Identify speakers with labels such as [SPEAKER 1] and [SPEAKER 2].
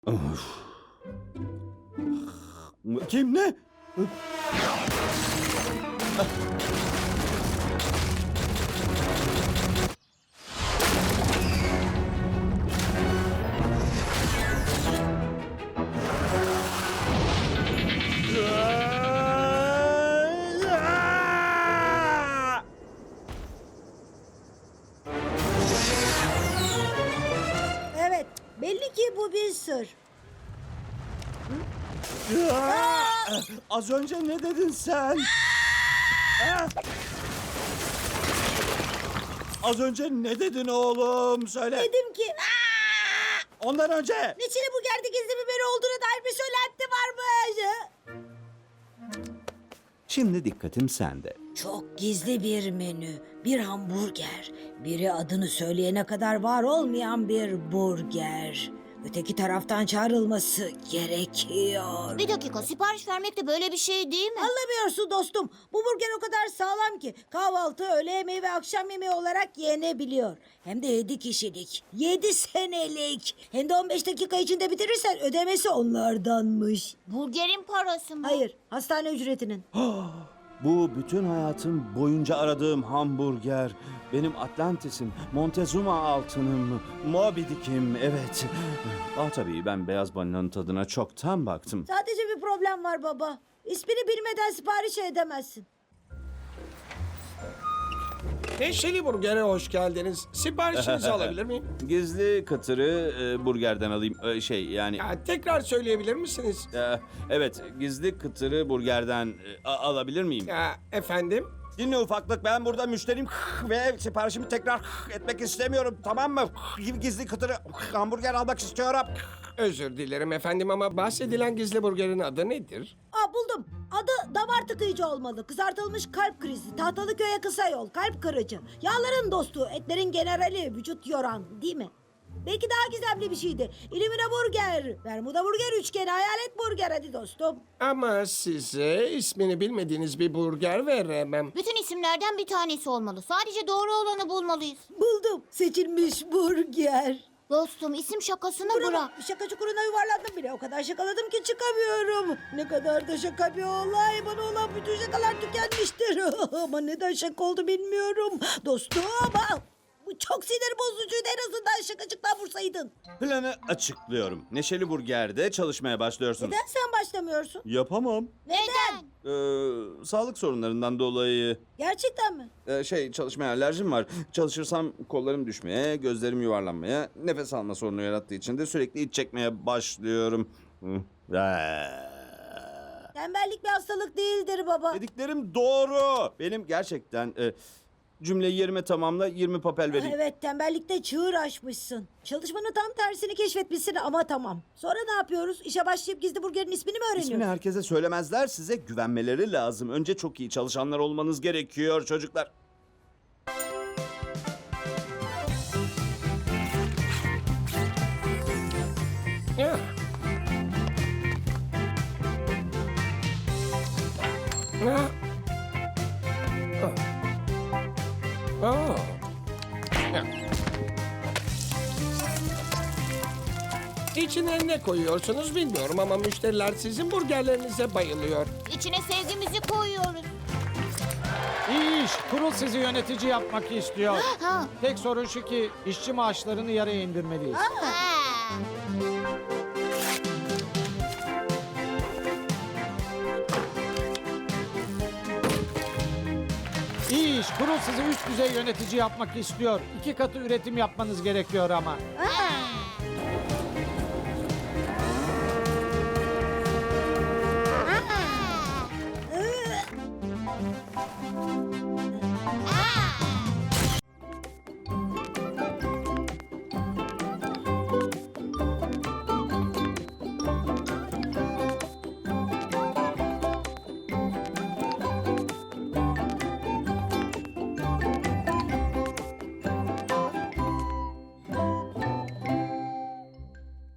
[SPEAKER 1] Of. Kim ne?
[SPEAKER 2] Evet, belli ki bu bir sır.
[SPEAKER 1] Az önce ne dedin sen? Az önce ne dedin oğlum? Söyle.
[SPEAKER 2] Dedim ki
[SPEAKER 1] Ondan önce.
[SPEAKER 2] Neşeli Burger'de gizli biberi olduğuna dair bir söylenti varmış.
[SPEAKER 1] Şimdi dikkatim sende.
[SPEAKER 2] Çok gizli bir menü. Bir hamburger. Biri adını söyleyene kadar var olmayan bir burger. Öteki taraftan çağrılması gerekiyor.
[SPEAKER 3] Bir dakika, sipariş vermek de böyle bir şey değil mi?
[SPEAKER 2] Anlamıyorsun dostum. Bu burger o kadar sağlam ki kahvaltı, öğle yemeği ve akşam yemeği olarak yenebiliyor. Hem de 7 kişilik. 7 senelik. Hem de 15 dakika içinde bitirirsen ödemesi onlardanmış.
[SPEAKER 3] Burgerin parası mı?
[SPEAKER 2] Hayır, hastane ücretinin.
[SPEAKER 1] Bu bütün hayatım boyunca aradığım hamburger. Benim Atlantis'im, Montezuma altınım, Moby Dick'im, evet. Tabii ben beyaz balinanın tadına çoktan baktım.
[SPEAKER 2] Sadece bir problem var baba. İsmini bilmeden sipariş edemezsin.
[SPEAKER 4] Neşeli Burger'e hoş geldiniz. Siparişinizi alabilir miyim?
[SPEAKER 1] Gizli kıtırı burgerden alayım. Yani...
[SPEAKER 4] Ya, tekrar söyleyebilir misiniz?
[SPEAKER 1] Evet, gizli kıtırı burgerden alabilir miyim?
[SPEAKER 4] Ya, efendim?
[SPEAKER 1] Dinle ufaklık, ben burada müşteriyim ve siparişimi tekrar etmek istemiyorum, tamam mı? Gizli kıtırı hamburger almak istiyorum.
[SPEAKER 4] Özür dilerim efendim ama bahsedilen gizli burgerin adı nedir?
[SPEAKER 2] Buldum. Adı damar tıkayıcı olmalı. Kızartılmış kalp krizi. Tahtalı köye kısa yol. Kalp kırıcı. Yağların dostu. Etlerin generali. Vücut yoran. Değil mi? Belki daha gizemli bir şeydi. İlimine burger. Bermuda burger üçgeni. Hayalet burger. Hadi dostum.
[SPEAKER 4] Ama size ismini bilmediğiniz bir burger veremem.
[SPEAKER 3] Bütün isimlerden bir tanesi olmalı. Sadece doğru olanı bulmalıyız.
[SPEAKER 2] Buldum. Seçilmiş burger.
[SPEAKER 3] Dostum, isim şakasını
[SPEAKER 2] Buna
[SPEAKER 3] bırak.
[SPEAKER 2] bak, şaka çukuruna yuvarlandım bile. O kadar şakaladım ki çıkamıyorum. Ne kadar da şaka bir olay. Bana olan bütün şakalar tükenmiştir. Ama neden şaka oldu bilmiyorum. Dostum, bu çok sinir bozucuydu. En azından şakacıktan vursaydın.
[SPEAKER 1] Planı açıklıyorum. Neşeli Burger'de çalışmaya başlıyorsunuz.
[SPEAKER 2] Neden sen başlamıyorsun?
[SPEAKER 1] Yapamam.
[SPEAKER 3] Neden?
[SPEAKER 1] Sağlık sorunlarından dolayı.
[SPEAKER 2] Gerçekten mi?
[SPEAKER 1] Çalışmaya alerjim var. Çalışırsam kollarım düşmeye, gözlerim yuvarlanmaya, nefes alma sorunu yarattığı için de sürekli iç çekmeye başlıyorum.
[SPEAKER 2] Tembellik bir hastalık değildir baba.
[SPEAKER 1] Dediklerim doğru. Benim gerçekten cümleyi yerime tamamla, 20 papel vereyim.
[SPEAKER 2] Evet, tembellikte çığır açmışsın. Çalışmanın tam tersini keşfetmişsin ama tamam. Sonra ne yapıyoruz? İşe başlayıp gizli burgerin ismini mi öğreniyoruz?
[SPEAKER 1] İsmini herkese söylemezler, size güvenmeleri lazım. Önce çok iyi çalışanlar olmanız gerekiyor çocuklar.
[SPEAKER 4] Ya. Ha. Oh. Ya. İçine ne koyuyorsunuz bilmiyorum ama müşteriler sizin burgerlerinize bayılıyor.
[SPEAKER 3] İçine sevgimizi koyuyoruz.
[SPEAKER 5] İyi iş. Kurul sizi yönetici yapmak istiyor.
[SPEAKER 3] Ha.
[SPEAKER 5] Tek sorun şu ki işçi maaşlarını yarıya indirmeliyiz.
[SPEAKER 3] Ha.
[SPEAKER 5] İyi iş. Kurul sizi üst düzey yönetici yapmak istiyor. 2 katı üretim yapmanız gerekiyor ama.
[SPEAKER 3] Ha.